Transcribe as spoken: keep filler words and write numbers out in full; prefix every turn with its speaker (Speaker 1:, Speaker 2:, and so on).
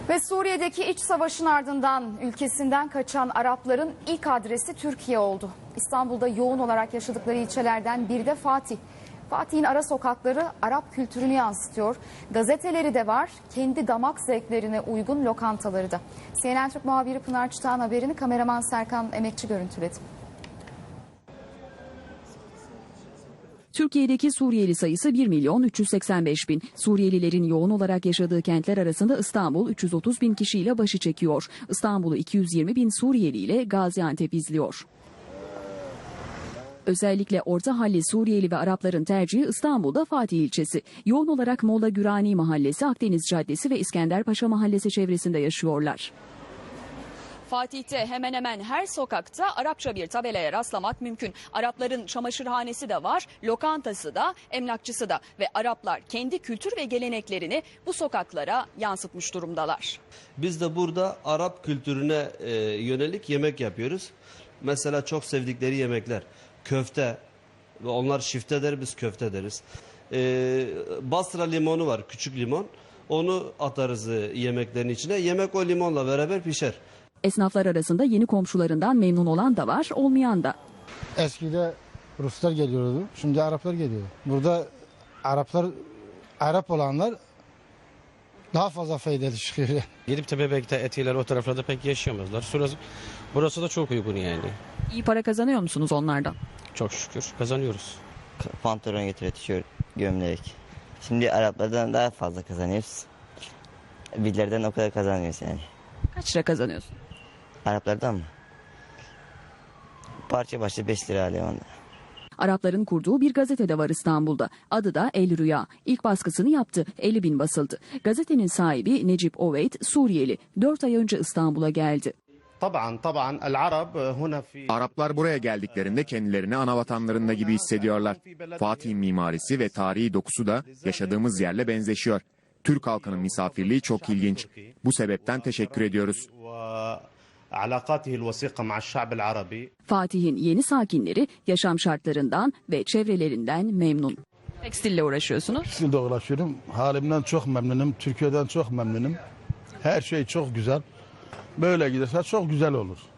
Speaker 1: Ve Suriye'deki iç savaşın ardından ülkesinden kaçan Arapların ilk adresi Türkiye oldu. İstanbul'da yoğun olarak yaşadıkları ilçelerden biri de Fatih. Fatih'in ara sokakları Arap kültürünü yansıtıyor. Gazeteleri de var, kendi damak zevklerine uygun lokantaları da. C N N Türk muhabiri Pınar Çıtağan haberini kameraman Serkan Emekçi görüntüledi.
Speaker 2: Türkiye'deki Suriyeli sayısı bir milyon üç yüz seksen beş bin. Suriyelilerin yoğun olarak yaşadığı kentler arasında İstanbul üç yüz otuz bin kişiyle başı çekiyor. İstanbul'u iki yüz yirmi bin Suriyeli ile Gaziantep izliyor. Özellikle orta halli Suriyeli ve Arapların tercihi İstanbul'da Fatih ilçesi. Yoğun olarak Molla Gürani Mahallesi, Akdeniz Caddesi ve İskenderpaşa Mahallesi çevresinde yaşıyorlar. Fatih'te hemen hemen her sokakta Arapça bir tabelaya rastlamak mümkün. Arapların çamaşırhanesi de var, lokantası da, emlakçısı da ve Araplar kendi kültür ve geleneklerini bu sokaklara yansıtmış durumdalar.
Speaker 3: Biz de burada Arap kültürüne e, yönelik yemek yapıyoruz. Mesela çok sevdikleri yemekler köfte, onlar şifte der, biz köfte deriz. E, Basra limonu var, küçük limon, onu atarız yemeklerin içine, yemek o limonla beraber pişer.
Speaker 2: Esnaflar arasında yeni komşularından memnun olan da var, olmayan da.
Speaker 4: Eskide Ruslar geliyordu, şimdi Araplar geliyor. Burada Araplar, Arap olanlar daha fazla faydalı çıkıyor.
Speaker 5: Gidip de Bebek'te, Etiler o taraflarda pek yaşayamazlar. Burası, burası da çok uygun yani.
Speaker 2: İyi para kazanıyor musunuz onlardan?
Speaker 5: Çok şükür kazanıyoruz.
Speaker 6: Pantolon getiriyor, tişört, gömlek. Şimdi Araplardan daha fazla kazanıyoruz. Bizlerden o kadar kazanmıyoruz yani.
Speaker 2: Kaç lira kazanıyorsun?
Speaker 6: Araplardan mı? Parça başı beş lira alıyor onda.
Speaker 2: Arapların kurduğu bir gazete de var İstanbul'da. Adı da El Rüya. İlk baskısını yaptı. elli bin basıldı. Gazetenin sahibi Necip Oveyd Suriyeli. dört ay önce İstanbul'a geldi.
Speaker 7: Araplar buraya geldiklerinde kendilerini anavatanlarında gibi hissediyorlar. Fatih'in mimarisi ve tarihi dokusu da yaşadığımız yerle benzeşiyor. Türk halkının misafirliği çok ilginç. Bu sebepten teşekkür ediyoruz.
Speaker 2: Fatih'in yeni sakinleri yaşam şartlarından ve çevrelerinden memnun. Tekstille uğraşıyorsunuz.
Speaker 4: Tekstilde uğraşıyorum. Halimden çok memnunum. Türkiye'den çok memnunum. Her şey çok güzel. Böyle giderse çok güzel olur.